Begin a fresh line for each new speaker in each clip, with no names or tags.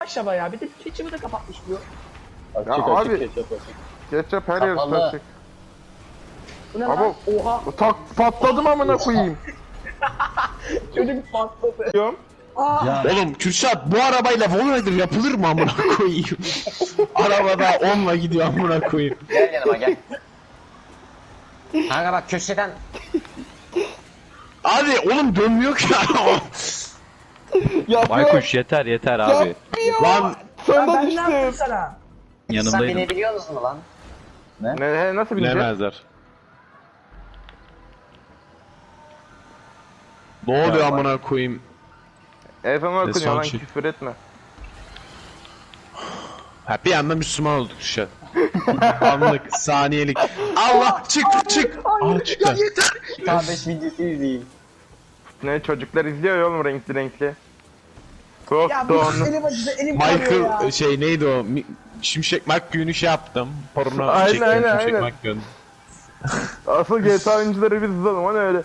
Aşağı ya bir de keçimi de kapatmış diyor.
Açık
Ya
açık
abi.
ketçap açık.
Ketçap her yer
Kapalı.
açık.
Bu ne
Ama
lan? Oha
tak patladım amına koyayım.
çocuk patladı.
Diyorum.
Aa,
Ya
Oğlum Kürşat bu arabayla Wallrider yapılır mı amına koyayım? Arabada 10'la gidiyor amına koyayım.
gel yanıma gel. Kanka bak köşeden
Abi oğlum dönmüyor ki araba.
Yapıyor.
Baykuş yeter yeter abi.
Lan
Sonunda
ben ne yaptım
düştüm.
sana?
sen
Yanındaydım.
binebiliyor musun lan?
Ne nasıl bileceğim?
bilemezler. Ne oluyor amına koyayım?
Efendim okunuyor
son
lan
şey.
küfür etme.
Ha bir anda Müslüman olduk Kürşat. Anlık, saniyelik. Allah çık çık. Aa çıktı.
K5 videosu izleyeyim.
Ne çocuklar izliyor ya oğlum renkli renkli. Çok
Ya bu
doğru.
elim acıdı elim kanıyor ya.
Michael şey neydi o? Şimşek McQueen'i şey yaptım. Porno
Aynen,
çektim
aynen,
Şimşek
aynen.
McQueen.
Asıl GTA oyuncuları biz izledim o ne öyle.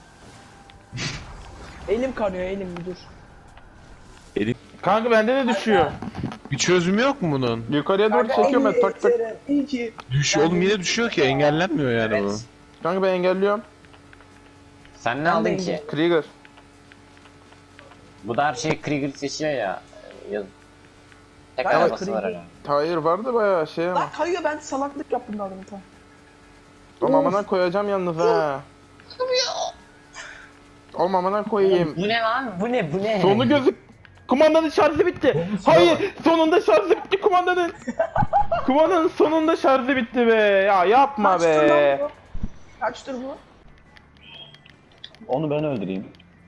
Elim kanıyor elim bir dur.
Elim.
Kanka bende de düşüyor.
Bir çözümü yok mu bunun?
Yukarıya doğru çekiyorum ben tak tak.
İyi ki.
Düşüyor oğlum yine düşüyor ki engellenmiyor yani bu.
Evet.
Kanka ben engelliyorum.
Sen ne
Ben
aldın
de
ki?
Krieger.
Bu da her şey Krieger seçiyor ya. Yaz. Tek
Bayağı
arabası var
Krieger.
herhalde.
Hayır vardı bayağı şey ama.
Lan kayıyor ben salaklık yaptım daha demin
Oğlum amına koyacağım yalnız ha. Oğlum amına koyayım.
Bu ne lan? Bu ne? Bu ne?
Sonu gözük. Kumandanın şarjı bitti. Hayır, sonunda şarjı bitti kumandanın. Kumandanın sonunda şarjı bitti be. Ya yapma
Kaçtır lan
be.
bu? Kaçtır bu?
Onu ben öldüreyim.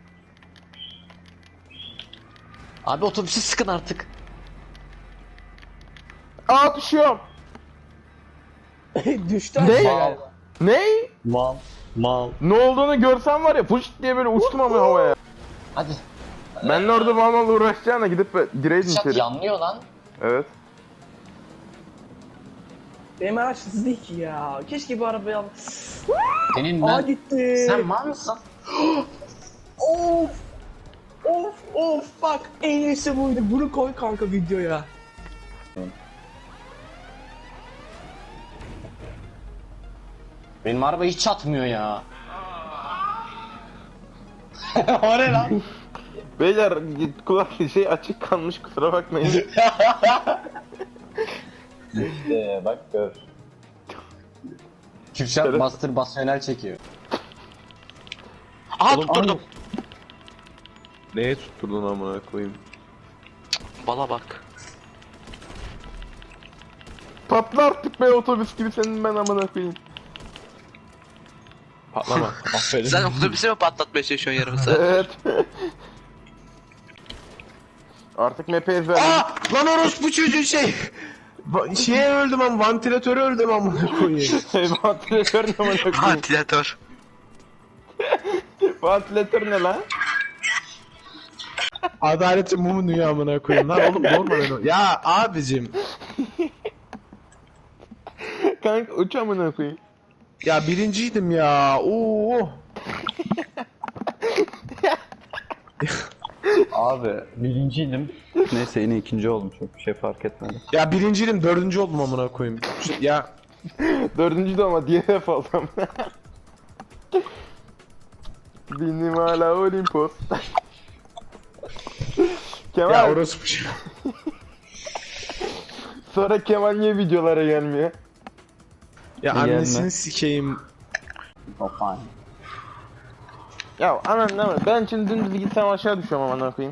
Abi otobüsü sıkın artık.
Aa düşüyorum.
Düştü
Ne?
aşağıya.
Ne?
Mal. Mal.
Ne olduğunu görsem var ya fış diye böyle uçtum ama havaya.
Hadi.
Ben de orada mal uğraşacağına gidip gireydim
Şat
içeri.
yanlıyor lan.
Evet.
Benim araç hızlı değil ki ya. Keşke bu arabayı al.
Senin
Aa
ben...
gitti.
Sen mal mısın?
Of. Of bak en iyisi buydu. Bunu koy kanka videoya.
Benim araba hiç çatmıyor ya. O ne lan?
Beyler kulak şey açık kalmış kusura bakmayın.
Bak gör.
Kürşat
Evet.
mastürbasyonel çekiyor.
Aha tutturdum. Neye tutturdun amına koyayım? Bala bak.
Patla artık be otobüs gibi senin ben amına koyayım.
Patlama. Aferin.
Sen otobüsü mü patlatmaya çalışıyorsun yarım saat?
Evet. Artık map'e ezberledim.
Aa! Lan orospu çocuğu şey. Şeye öldüm ama vantilatöre öldüm amına koyayım.
Vantilatör ne amına koyayım?
Vantilatör.
Vantilatör ne lan?
Adaletin mumu dünya amına koyayım lan oğlum normal o. Ya abicim.
Kanka uç amına koyayım.
Ya birinciydim ya. Oo.
Abi birinciydim. Neyse yine ikinci oldum, çok bir şey fark etmedi.
Ya birinciydim dördüncü oldum amına koyayım. Ya
Dördüncü de ama DNF oldum. Benim hala Olimpos. Kemal
ya orospu çocuğu.
sonra Kemal niye videolara gelmiyor?
Ya
Gelme.
annesini sikeyim.
Hoppa.
Ya anan ne var? Ben şimdi dümdüz gitsem aşağı düşüyorum amına koyayım.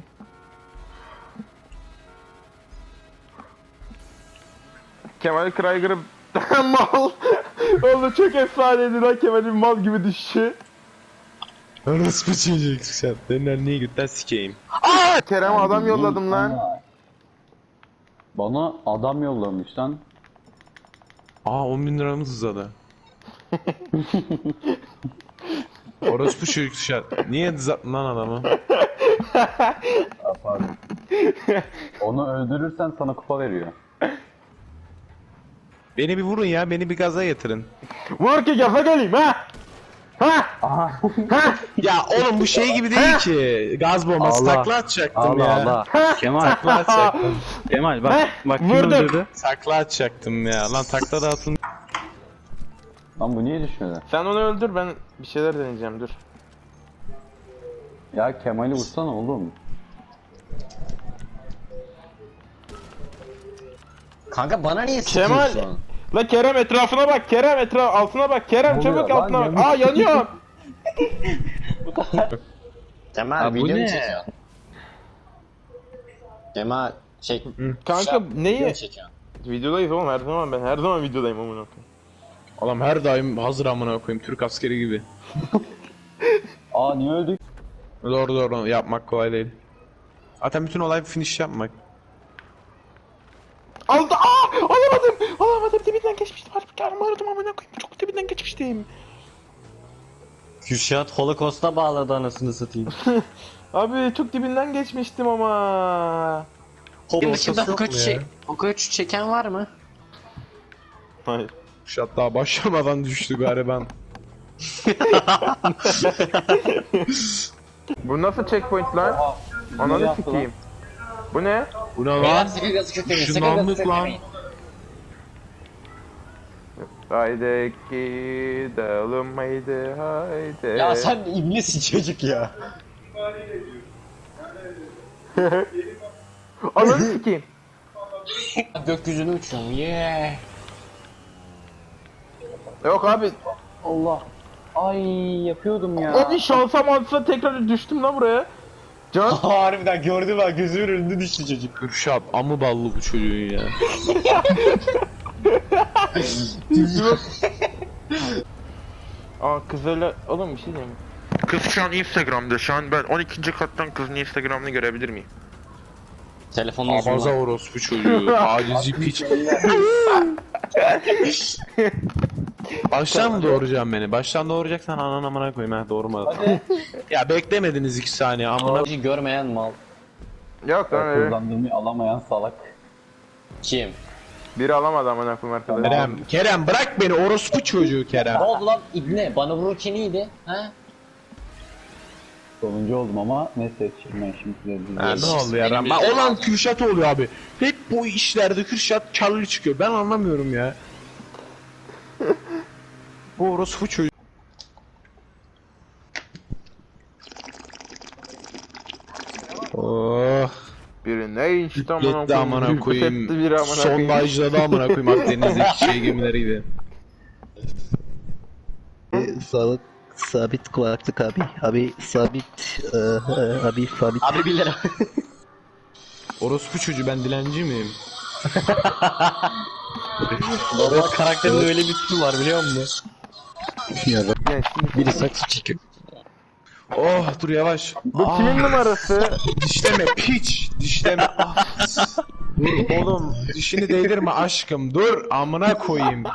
Kemal Kraiger'ı mal. Oğlum çok efsaneydi lan Kemal'in mal gibi düşüşü.
Orospu çocuğu sen. Senin niye götten sikeyim.
Kerem'e adam yolladım lan.
Bana adam yollamış lan.
Aa 10.000 liramız uzadı. Orospu çocuk şart. Niye zaten lan adamı?
Pardon. Onu öldürürsen sana kupa veriyor.
Beni bir vurun ya, beni bir gaza getirin.
Vur ki gaza geleyim ha. Ha!
Ya oğlum bu şey gibi değil ki. Gaz bombası
Allah.
takla atacaktım
Allah
ya.
Allah. Kemal.
Takla atacaktım.
Kemal bak kim
Vurdum.
öldürdü?
Takla atacaktım ya. Lan takla da atın.
Lan bu niye düşmedi?
Sen onu öldür, ben bir şeyler deneyeceğim, dur.
Ya Kemal'i vursana oğlum.
Kanka bana niye
Kemal!
sıkıyorsun?
La Kerem etrafına bak, Kerem altına bak, Kerem
Ne
çabuk
oluyor lan?
altına bak.
Yanıyor.
Aa yanıyor.
Kemal
Ha, bu
video mu
ne?
çekiyorsun? Kemal şey...
Kanka
video
neyi?
mu çekiyorsun?
Videodayız oğlum, her zaman ben her zaman videodayım amına koyayım.
Oğlum her daim hazır amına koyayım. Türk askeri gibi.
Aa niye öldük?
Doğru yapmak kolay değil. Zaten bütün olay finish yapmak.
Aldı. Aa! Alamadım. Dibinden geçmiştim. Harbi aradım amına koyayım. Çok dibinden geçmiştim.
Kürşat Holocaust'a bağladı anasını satayım.
Abi çok dibinden geçmiştim ama.
Benim dışında Hokaç'ı çeken var mı?
Hayır.
Kuşat daha başlamadan düştü gariban.
Bu nasıl checkpoint lan?
Ne
Ananı
yaptı
sikeyim. Bu ne?
Bu ne
Beyler
lan?
sakın gazı köklemeyin, sakın
Işınlandık
gazı
lan.
köklemeyin.
Haydi gidelim haydi.
Ya sen ibnesin çocuk ya.
Ananı sikeyim.
Gökyüzüne uçuyorum, yeah.
Yok abi.
Allah. Ay yapıyordum ya.
Abi şansa mantısa tekrar düştüm lan buraya. Can.
Harbiden gördüm ben, gözümün önünde düştü çocuk.
Kürşat amı ballı bu çocuğun ya.
Aa kızlarla oğlum bir şey diyeyim mi? Kız şu an Instagram'da. Şu an ben 12. kattan kızın Instagram'ını görebilir miyim?
Telefonla
Abaza
zoomla.
orospu çocuğu. Tacizi piç. Baştan mı doğuracaksın beni? Baştan doğuracaksan anan amına koyayım ha, doğurma. Ya beklemediniz 2 saniye amına.
Bizi görmeyen mal.
Yok lan öyle.
Kullandığımı alamayan salak.
Kim?
Biri alamadı amına koyayım arkadaşlar.
Kerem bırak beni orospu çocuğu Kerem.
Ne oldu lan ibne? Bana vururken iyiydi. Ha?
Sonuncu oldum ama neyse şimdi size
Ha, ne oldu ya?
Benim
Ben
yüzüm
olan
lazım.
Kürşat oluyor abi. Hep bu işlerde Kürşat karlı çıkıyor. Ben anlamıyorum ya. Bu orospu çocuğu. Oh.
Biri ne işte amına
Yetti amına
Etti biri
koyayım.
amına koyayım.
Sondajladı amına koyayım Akdeniz'deki şey gemileri gibi.
Sağlık sabit kulaklık abi. Abi sabit abi sabit.
Abi 1 lira.
Orospu çocuğu, ben dilenci miyim?
Normal karakterin öyle bir tipi var biliyor musun?
Ya bak,
Yani şimdi
biri saksı çekiyor.
Oh dur yavaş.
bu kimin numarası?
Dişleme piç. Dişleme. Ah. Dur oğlum dişini değdirme aşkım. Dur amına koyayım.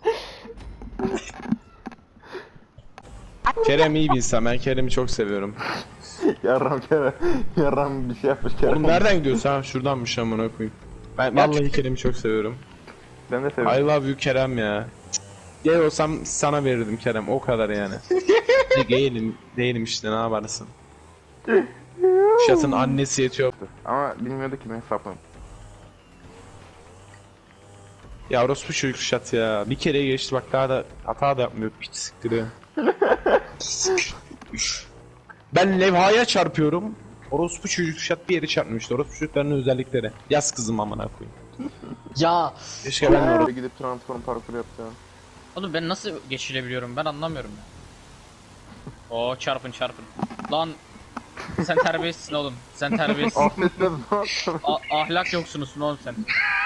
Kerem iyi bir insan. Ben Kerem'i çok seviyorum.
Yarram Kerem. Yarram bir şey yapmış Kerem.
Oğlum nereden gidiyorsun ha? Şuradanmış amına koyayım. Ben vallahi Kerem'i çok seviyorum.
Ben de seviyorum.
I love you Kerem ya. Gay olsam sana verirdim Kerem. O kadar yani. Değilim işte, ne yaparsın. Şat'ın annesi yetiyor.
Ama bilmiyordu ki ben hesapladım.
Ya orospu çocuk Şat ya. Bir kere geçti bak, daha da hata da yapmıyor. Piç siktiriyor. Ben levhaya çarpıyorum. Orospu çocuk Şat bir yere çarpmıştı. Orospu çocuklarının özellikleri. Yaz kızım amına koyayım.
Ya
Keşke ben de orospu.
Oraya gidip transform parkur yapacağım.
Oğlum ben nasıl geçirebiliyorum, ben anlamıyorum ya. Oo çarpın. Lan sen terbiyesizsin oğlum. Sen terbiyesizsin.
Affetmez
Ahlak yoksunusun oğlum sen.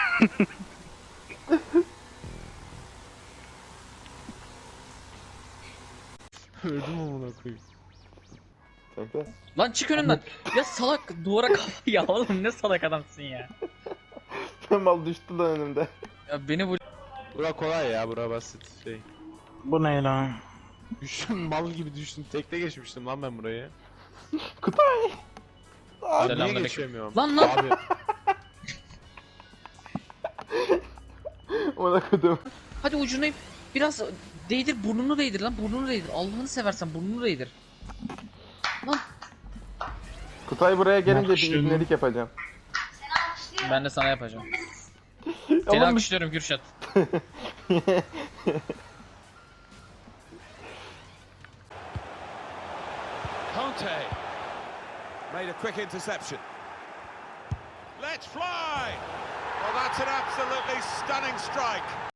Öldüm amına koyayım.
Kanka.
Lan çık önümden. Ya salak duvara kafa ya oğlum, ne salak adamsın ya.
Mal düştü lan önümde.
Ya beni bu
Bura kolay ya, bura basit şey.
Bu ne lan?
Düştüm mal gibi düştüm. Tekte geçmiştim lan ben burayı.
Kutay.
Abi niye
Selamünaleyküm.
geçemiyorum?
Lan lan.
Abi
Ona kodum.
Hadi ucundayım. biraz değdir, burnunu değdir lan, burnunu değdir. Allah'ını seversen burnunu değdir. Lan
Kutay buraya gelince bir ibnelik yapacağım.
ben de sana yapacağım. Seni
Oğlum,
alkışlıyorum Kürşat.
Conte made a quick interception. Let's fly! Well, that's an absolutely stunning strike.